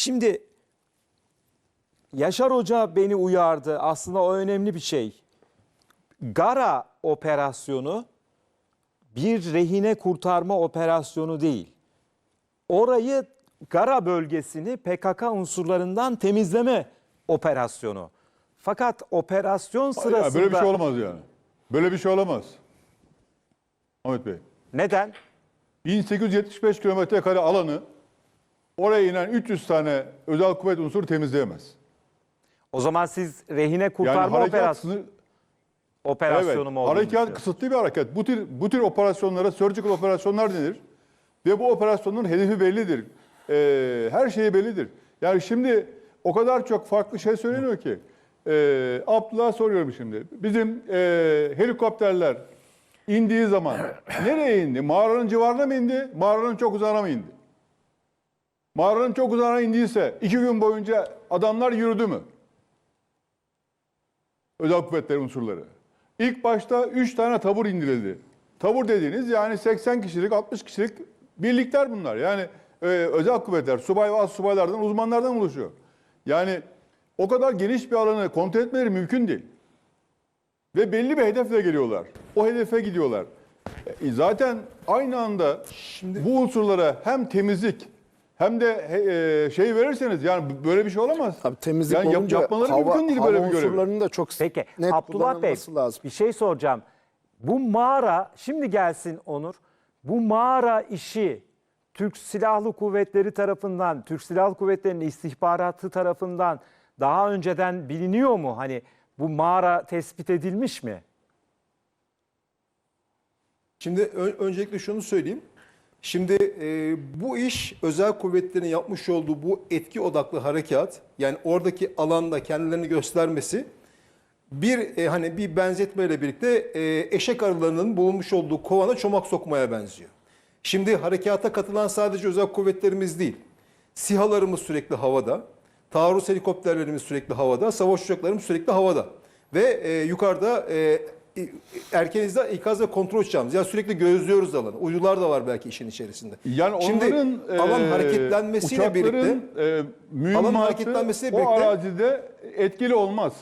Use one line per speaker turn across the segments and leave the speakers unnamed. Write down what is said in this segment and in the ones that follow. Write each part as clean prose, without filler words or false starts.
Şimdi Yaşar Hoca beni uyardı. Aslında o önemli bir şey. Gara operasyonu bir rehine kurtarma operasyonu değil. Orayı, Gara bölgesini PKK unsurlarından temizleme operasyonu. Fakat operasyon sırasında...
Böyle bir şey olamaz yani. Böyle bir şey olamaz. Ahmet Bey.
Neden?
1875 kilometre kare alanı oraya inen 300 tane özel kuvvet unsuru temizleyemez.
O zaman siz rehine kurtarma operasyonu mu olduğunu
harekat
düşünüyorsunuz?
kısıtlı bir hareket. Bu tür operasyonlara surgical operasyonlar denir. Ve bu operasyonun hedefi bellidir. Her şeyi bellidir. Yani şimdi o kadar çok farklı şey söyleniyor ki. Abdullah'a soruyorum şimdi. Bizim helikopterler indiği zaman nereye indi? Mağaranın civarına mı indi? Mağaranın çok uzağına mı indi? Mağaranın çok uzağına indiyse 2 gün boyunca adamlar yürüdü mü? Özel kuvvetler unsurları. İlk başta 3 tane tabur indirildi. Tabur dediğiniz yani 80 kişilik, 60 kişilik birlikler bunlar. Yani özel kuvvetler, subay ve astsubaylardan, uzmanlardan oluşuyor. Yani o kadar geniş bir alanı kontrol etmeleri mümkün değil. Ve belli bir hedefle geliyorlar. O hedefe gidiyorlar. Zaten aynı anda bu unsurlara hem temizlik hem de şey verirseniz yani böyle bir şey olamaz.
Tabii temizlik
yani
olunca
yapmaları mümkün değil böyle bir görev.
unsurlarının da çok
Peki
net
Abdullah Bey
kullanılması lazım.
bir şey soracağım. Bu mağara, şimdi gelsin Onur, bu mağara işi Türk Silahlı Kuvvetleri tarafından, Türk Silahlı Kuvvetleri'nin istihbaratı tarafından daha önceden biliniyor mu? Hani bu mağara tespit edilmiş mi?
Şimdi öncelikle şunu söyleyeyim. Şimdi bu iş özel kuvvetlerin yapmış olduğu bu etki odaklı harekat, yani oradaki alanda kendilerini göstermesi hani bir benzetmeyle birlikte eşek arılarının bulunmuş olduğu kovana çomak sokmaya benziyor. Şimdi harekata katılan sadece özel kuvvetlerimiz değil. SİHA'larımız sürekli havada, taarruz helikopterlerimiz sürekli havada, savaş uçaklarımız sürekli havada. Ve yukarıda erken ikaz ve kontrol uçağımız. Yani sürekli gözlüyoruz alanı. Uydular da var belki işin içerisinde.
Yani
şimdi
onların
alan hareketlenmesiyle birlikte alan
hareketlenmesiyle birlikte o arazide etkili olmaz.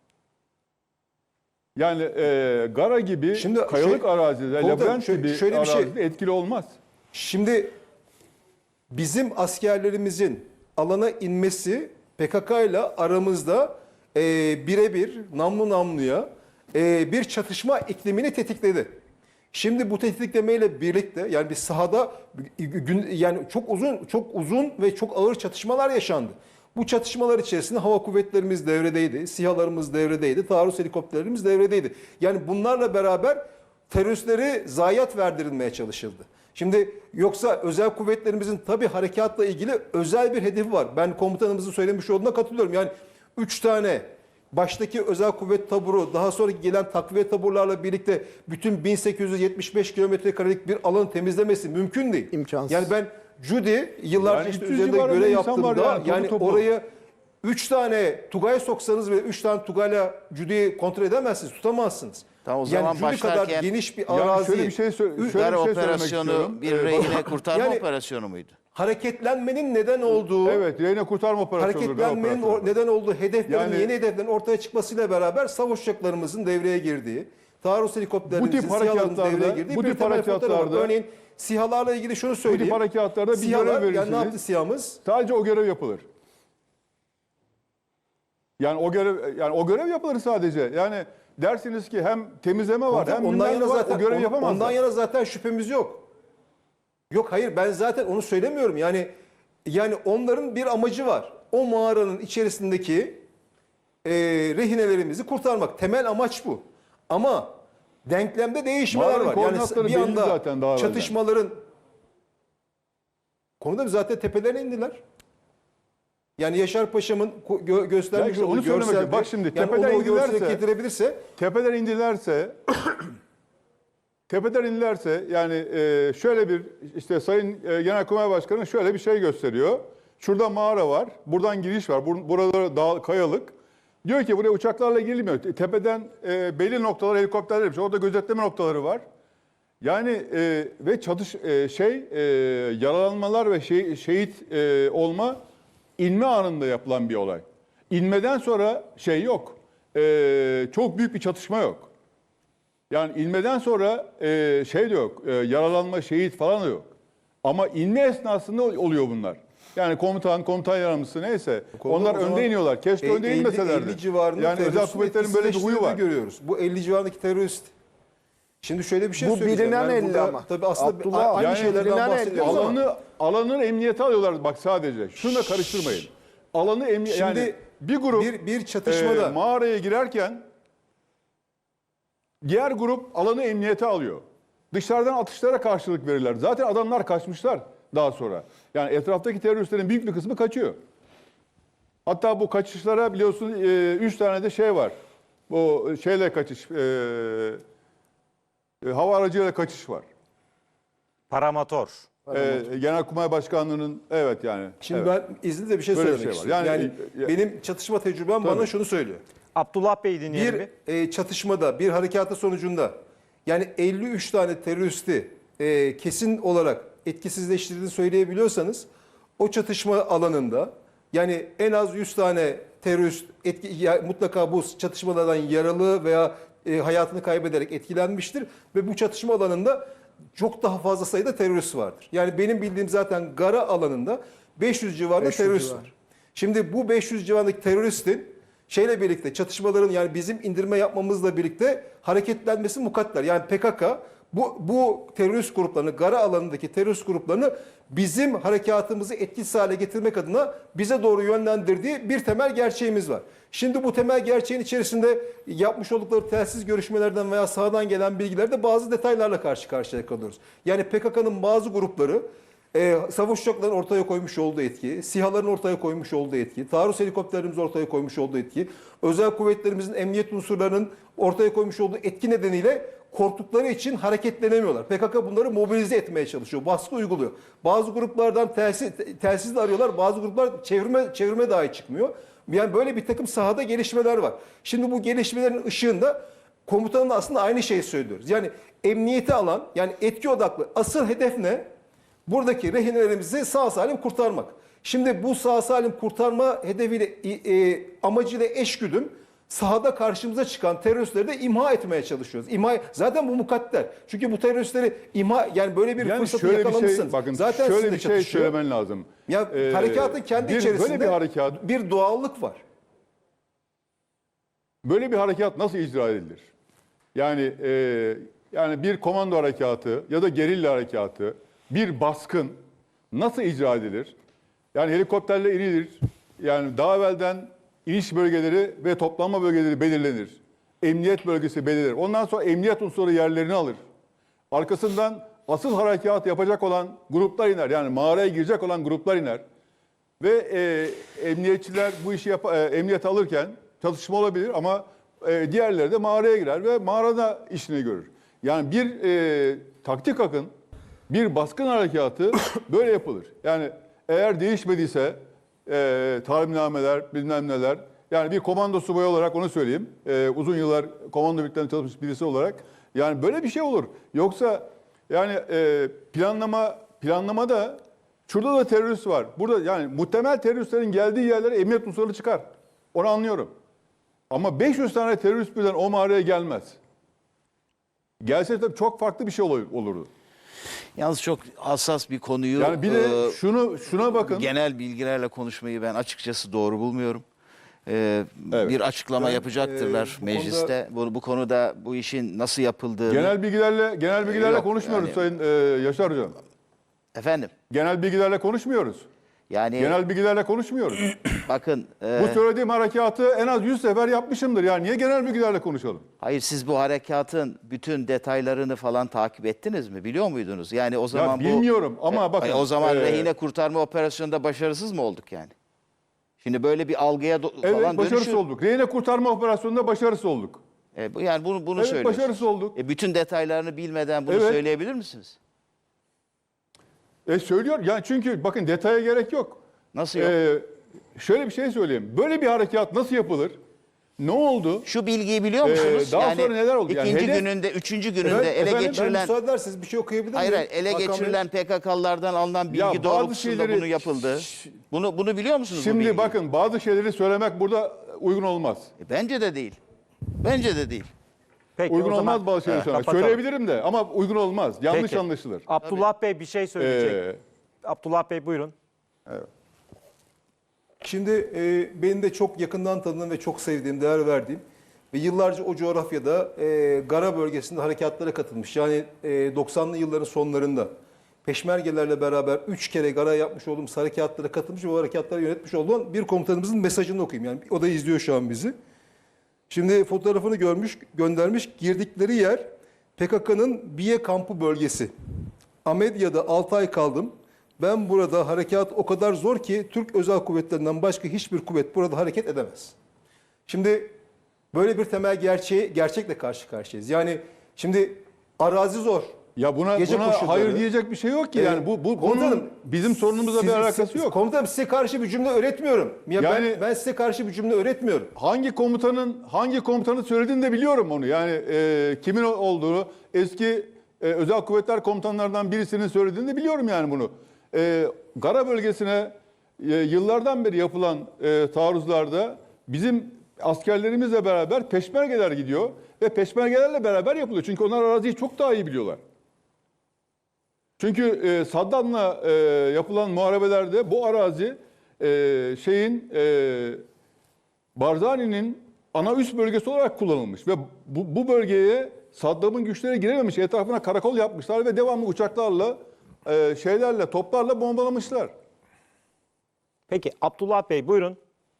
Yani Gara gibi
şimdi
kayalık arazide, labirent gibi
şöyle bir
arazide etkili olmaz.
Şimdi bizim askerlerimizin alana inmesi PKK ile aramızda birebir namlu namluya bir çatışma iklimini tetikledi. Şimdi bu tetiklemeyle birlikte yani bir sahada yani çok uzun ve çok ağır çatışmalar yaşandı. Bu çatışmalar içerisinde hava kuvvetlerimiz devredeydi, SİHA'larımız devredeydi, taarruz helikopterlerimiz devredeydi. Yani bunlarla beraber teröristleri zayiat verdirilmeye çalışıldı. Şimdi yoksa özel kuvvetlerimizin tabii harekatla ilgili özel bir hedefi var. Ben komutanımızın söylemiş olduğuna katılıyorum. Yani 3 tane baştaki özel kuvvet taburu, daha sonra gelen takviye taburlarla birlikte bütün 1875 kilometre karelik bir alanı temizlemesi mümkün değil.
İmkansız.
Yani ben Cudi yıllarca
Yani
işte
300
üzerinde
civarında
görev
insan var
yaptığımda
yani, topu.
oraya 3 tane Tugay soksanız ve 3 tane Tugay'la Cudi'yi kontrol edemezsiniz, tutamazsınız.
Tamam, o
Yani
zaman
Cudi
başlarken
kadar geniş bir
Yani
arazi.
şöyle bir şey söylemek
operasyonu
istiyorum.
bir rehine kurtarma
Yani-
operasyonu muydu?
Hareketlenmenin neden olduğu,
Evet, rehine kurtarma operasyonu.
hareketlenmenin neden olduğu hedeflerin,
Yani-
yeni hedeflerin ortaya çıkmasıyla beraber savaş uçaklarımızın devreye girdiği, taarruz helikopterlerimizin,
Bu tip
SİHA'larımızın
harekatlarda-
devreye girdiği
bu
bir
tip
temel fotoğrafı var.
harekatlarda-
Örneğin SİHA'larla ilgili şunu
Bu tip
söyleyeyim.
harekatlarda bir görev
SİHA'lar, yani
verirsiniz.
ne yaptı SİHA'mız?
Sadece o görev yapılır. Yani o görev yapılır sadece. Yani dersiniz ki hem temizleme var hem
Ondan yana
var.
zaten
O görev yapamazlar.
ondan yana zaten şüphemiz yok. Yok, hayır, ben zaten onu söylemiyorum. Yani onların bir amacı var. O mağaranın içerisindeki rehinelerimizi kurtarmak. Temel amaç bu. Ama denklemde değişmeler
Mağaranın
var.
koordinatları
Bir
belli
anda
zaten daha evvelden.
çatışmaların konuda zaten tepelerine indiler. Yani Yaşar Paşa'mın göstermiş
işte onu
olduğu
söylemek
görselde,
istiyorum. Bak şimdi
yani
tepeden
onu o görsele
indilerse-
getirebilirse
tepeden indilerse yani şöyle bir işte Sayın Genelkurmay Başkanı şöyle bir şey gösteriyor. Şurada mağara var. Buradan giriş var. Burada dağ, kayalık. Diyor ki buraya uçaklarla girilmiyor. Tepeden belli noktalar helikopterler yapmış. Orada gözetleme noktaları var. Yani ve yaralanmalar ve şehit olma İnme anında yapılan bir olay. İnmeden sonra şey yok. Çok büyük bir çatışma yok. Yani inmeden sonra şey de yok. Yaralanma, şehit falan da yok. Ama inme esnasında oluyor bunlar. Yani komutan yardımcısı neyse. Onlar önde iniyorlar. Keşke önde inmeselerdi.
50 civarında
Yani özel
teröristin
kuvvetlerin böyle bir huyu var.
görüyoruz. Bu 50 civarındaki terörist. Şimdi şöyle bir şey
Bu
söyleyeceğim.
bilinen 50
burada,
ama.
tabii aslında
Abdullah,
aynı
yani
şeylerden
bilinen 50
bahsediyoruz ama.
Alanı emniyete alıyorlar bak sadece. Şunu da karıştırmayın. Alanı
Şimdi
yani bir grup
bir çatışmada
mağaraya girerken diğer grup alanı emniyete alıyor. Dışarıdan atışlara karşılık verirler. Zaten adamlar kaçmışlar daha sonra. Yani etraftaki teröristlerin büyük bir kısmı kaçıyor. Hatta bu kaçışlara biliyorsun 3 tane de şey var. Bu şeyle kaçış, hava aracıyla kaçış var.
Paramotor.
Genelkurmay Başkanlığı'nın evet yani.
Şimdi
evet.
ben izninizle bir şey
Böyle bir
söylemek
şey var.
istiyorum.
Yani-
Yani, benim çatışma tecrübem bana şunu söylüyor.
Abdullah Bey dinleyelim bir.
Bir çatışmada, bir harekatı sonucunda yani 53 tane teröristi kesin olarak etkisizleştirdiğini söyleyebiliyorsanız o çatışma alanında yani en az 100 tane terörist mutlaka bu çatışmalardan yaralı veya hayatını kaybederek etkilenmiştir ve bu çatışma alanında çok daha fazla sayıda terörist vardır. Yani benim bildiğim zaten Gara alanında 500 civarında
500
terörist
civarı.
var. Şimdi bu 500 civarındaki teröristin şeyle birlikte çatışmaların yani bizim indirme yapmamızla birlikte hareketlenmesi mukadder. Yani PKK bu terörist gruplarını, Gara alanındaki terörist gruplarını bizim harekatımızı etkisiz hale getirmek adına bize doğru yönlendirdiği bir temel gerçeğimiz var. Şimdi bu temel gerçeğin içerisinde yapmış oldukları telsiz görüşmelerden veya sahadan gelen bilgilerde bazı detaylarla karşı karşıya kalıyoruz. Yani PKK'nın bazı grupları savaş uçaklarının ortaya koymuş olduğu etki, SİHA'ların ortaya koymuş olduğu etki, taarruz helikopterlerimizin ortaya koymuş olduğu etki, özel kuvvetlerimizin emniyet unsurlarının ortaya koymuş olduğu etki nedeniyle korktukları için hareketlenemiyorlar. PKK bunları mobilize etmeye çalışıyor, baskı uyguluyor. Bazı gruplardan telsizle arıyorlar, bazı gruplar çevirme dahi çıkmıyor. Yani böyle bir takım sahada gelişmeler var. Şimdi bu gelişmelerin ışığında komutanın aslında aynı şeyi söylüyoruz. Yani emniyeti alan, yani etki odaklı asıl hedef ne? Buradaki rehinelerimizi sağ salim kurtarmak. Şimdi bu sağ salim kurtarma hedefiyle amacıyla eşgüdüm sahada karşımıza çıkan teröristleri de imha etmeye çalışıyoruz. Zaten bu mukadder. Çünkü bu teröristleri yani böyle bir
Yani
fırsatı
şöyle bir
yakalamışsın.
şey bakın
Zaten
şöyle
sizinle
bir şey
çatışıyor.
söylemen lazım.
Ya harekatın kendi içerisinde
böyle bir harekat
bir doğallık var.
böyle bir harekat nasıl icra edilir? Yani bir komando harekatı ya da gerilla harekatı, bir baskın nasıl icra edilir? Yani helikopterle inilir. Yani daha evvelden iniş bölgeleri ve toplanma bölgeleri belirlenir. Emniyet bölgesi belirlenir. Ondan sonra emniyet unsuru yerlerini alır. Arkasından asıl harekat yapacak olan gruplar iner. Yani mağaraya girecek olan gruplar iner. Ve emniyetçiler bu işi emniyet alırken çatışma olabilir ama diğerleri de mağaraya girer ve mağarada işini görür. Yani bir taktik akın, bir baskın harekatı böyle yapılır. Yani eğer değişmediyse talimnameler, bilmem neler. Yani bir komando subayı olarak onu söyleyeyim. Uzun yıllar komando birliklerinde çalışmış birisi olarak. Yani böyle bir şey olur. Yoksa yani planlamada şurada da terörist var. Burada yani muhtemel teröristlerin geldiği yerlere emniyet unsurları çıkar. Onu anlıyorum. Ama 500 tane terörist birden o mağaraya gelmez. Gelse tabii çok farklı bir şey olurdu.
Yalnız çok hassas bir konuyu
Yani bir de şuna bakın.
genel bilgilerle konuşmayı ben açıkçası doğru bulmuyorum.
Evet.
Bir açıklama yapacaktırlar
bu
mecliste. Bu konuda bu işin nasıl yapıldığını.
Genel bilgilerle
Yok,
konuşmuyoruz
yani-
Sayın Yaşar Hocam.
Efendim,
Genel bilgilerle konuşmuyoruz.
yani
Genel bilgilerle konuşmuyoruz.
bakın
Bu söylediğim harekatı en az 100 sefer yapmışımdır. Yani niye genel bilgilerle konuşalım?
hayır, siz bu harekatın bütün detaylarını falan takip ettiniz mi? Biliyor muydunuz? Yani o zaman
bilmiyorum ama bakın,
O zaman rehine kurtarma operasyonunda başarısız mı olduk yani? Şimdi böyle bir algıya
Evet,
falan
başarısız
dönüşür.
olduk. Rehine kurtarma operasyonunda başarısız olduk.
Yani bunu
Evet,
söylüyorsunuz.
başarısız olduk.
Bütün detaylarını bilmeden bunu
Evet.
söyleyebilir misiniz?
Söylüyor. Yani çünkü bakın detaya gerek yok.
Nasıl yok?
Şöyle bir şey söyleyeyim. Böyle bir harekat nasıl yapılır? Ne oldu?
Şu bilgiyi biliyor musunuz?
daha sonra neler oldu? Yani
İkinci
hedef-
gününde, üçüncü gününde
Efendim,
ele geçirilen...
Ben müsaade ederseniz bir şey okuyabilir miyim?
Hayır, ele
Hakan Bey?
geçirilen PKK'lılardan alınan bilgi
Ya bazı
doğrultusunda
şeyleri-
bunu yapıldı. Bunu biliyor musunuz? bu
Şimdi
bilgiyi?
bakın bazı şeyleri söylemek burada uygun olmaz.
Bence de değil. Bence de değil.
Peki,
Uygun
o zaman
olmaz bazı şeyleri söylemek.
kapatalım.
Söyleyebilirim de ama uygun olmaz. Yanlış
Peki.
anlaşılır.
Abdullah Bey bir şey söyleyecek. Abdullah Bey buyurun.
Şimdi benim de çok yakından tanıdığım ve çok sevdiğim, değer verdiğim ve yıllarca o coğrafyada Gara bölgesinde harekatlara katılmış. Yani 90'lı yılların sonlarında Peşmergelerle beraber 3 kere Gara yapmış olduğumuz harekatlara katılmış ve o harekatları yönetmiş olan bir komutanımızın mesajını okuyayım. Yani o da izliyor şu an bizi. Şimdi fotoğrafını görmüş, göndermiş. Girdikleri yer PKK'nın Biye kampı bölgesi. Amedya'da 6 ay kaldım. Ben burada harekat o kadar zor ki Türk Özel Kuvvetlerinden başka hiçbir kuvvet burada hareket edemez. Şimdi böyle bir temel gerçekle karşı karşıyayız. Yani şimdi arazi zor.
Ya buna
Gece koşulları.
hayır diyecek bir şey yok ki. Yani bu
Komutanım,
konunun bizim sorunumuzla bir alakası yok.
Komutanım size karşı bir cümle öğretmiyorum.
Yani-
ben size karşı bir cümle öğretmiyorum.
Hangi komutanın söylediğini de biliyorum onu. Yani kimin olduğunu, eski özel kuvvetler komutanlarından birisinin söylediğini de biliyorum yani bunu. Gara bölgesine yıllardan beri yapılan taarruzlarda bizim askerlerimizle beraber peşmergeler gidiyor ve peşmergelerle beraber yapılıyor. Çünkü onlar araziyi çok daha iyi biliyorlar. Çünkü Saddam'la yapılan muharebelerde bu arazi Barzani'nin ana üs bölgesi olarak kullanılmış ve bu bölgeye Saddam'ın güçleri girememiş. Etrafına karakol yapmışlar ve devamlı uçaklarla, toplarla bombalamışlar.
Peki Abdullah Bey buyurun.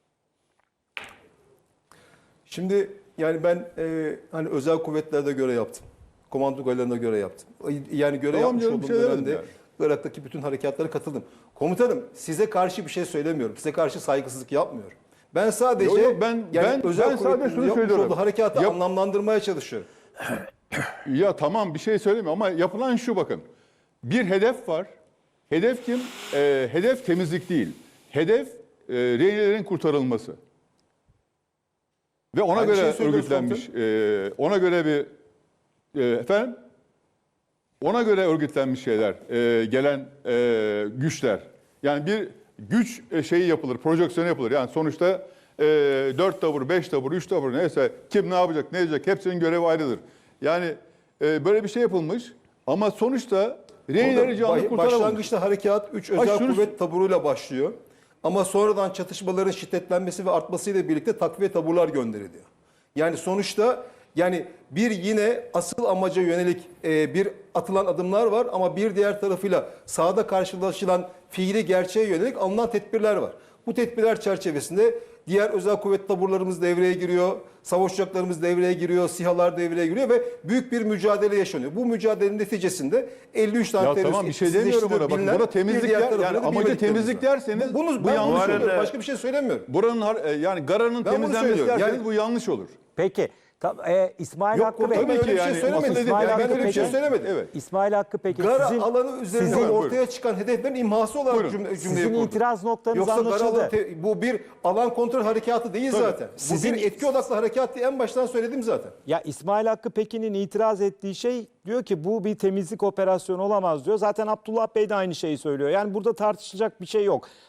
Şimdi yani ben hani özel kuvvetlerde göre yaptım. Komando gallerine göre yaptım. Yani göre
Tamam
yapmış
canım,
olduğum
bir şey
dönemde
demedim
Irak'taki bütün harekatlara katıldım. Komutanım size karşı bir şey söylemiyorum. Size karşı saygısızlık yapmıyorum. Ben sadece
Yok, ben sadece şunu
yapmış
söylüyorum.
olduğu harekatı
Yap-
anlamlandırmaya çalışıyorum.
Ya tamam bir şey söylemiyorum ama yapılan şu bakın. Bir hedef var. Hedef kim? Hedef temizlik değil. Hedef rehinelerin kurtarılması. Ve ona
Aynı
göre
şeyi söylüyoruz
örgütlenmiş. Ona göre bir efendim ona göre örgütlenmiş şeyler, gelen güçler. Yani bir güç şeyi yapılır, projeksiyonu yapılır. Yani sonuçta 4 tabur, 5 tabur, 3 tabur neyse kim ne yapacak, ne edecek hepsinin görevi ayrıdır. Yani böyle bir şey yapılmış ama sonuçta rehinleri canlı kurtaramamış.
Başlangıçta harekat 3 özel
şunu-
kuvvet taburuyla başlıyor. Ama sonradan çatışmaların şiddetlenmesi ve artmasıyla birlikte takviye taburlar gönderiliyor. Yani sonuçta yani bir yine asıl amaca yönelik bir atılan adımlar var ama bir diğer tarafıyla sahada karşılaşılan fiili gerçeğe yönelik alınan tedbirler var. Bu tedbirler çerçevesinde diğer özel kuvvet taburlarımız devreye giriyor, savaş uçaklarımız devreye giriyor, SİHA'lar devreye giriyor ve büyük bir mücadele yaşanıyor. Bu mücadelenin neticesinde 53 tane
Ya
terörist
tamam bir şey demiyorum ona. Bakın
bilinen,
burada
bir
temizlik
diğer
yani
tarafıyla da
amacı
bilmediklerimiz
temizlik
var.
derseniz
Bunu
bu
ben
yanlış
söylüyorum.
olur.
Başka bir şey söylemiyorum.
Yani Gara'nın
Ben bunu
temizlenmesi
söylüyorum.
derseniz
Yani-
bu yanlış olur.
Peki İsmail
Yok,
Hakkı Bey.
tabii öyle bir şey
yani
söylemedim.
asıl hedef-
İsmail
Ben
Hakkı
öyle bir şey
peki.
söylemedim.
Evet.
İsmail Hakkı peki
Gara
sizin,
alanı üzerinde
sizin-
ortaya çıkan hedeflerin imhası olarak
Buyurun.
cümleyi
Sizin
kurdum.
itiraz noktanız
Yoksa Gara
anlaşıldı.
alanı bu bir alan kontrol harekatı değil zaten.
Sizin-
Bu bir etki odaklı harekat diye en baştan söyledim zaten.
Ya İsmail Hakkı Pekin'in itiraz ettiği şey diyor ki bu bir temizlik operasyonu olamaz diyor. Zaten Abdullah Bey de aynı şeyi söylüyor. Yani burada tartışılacak bir şey yok.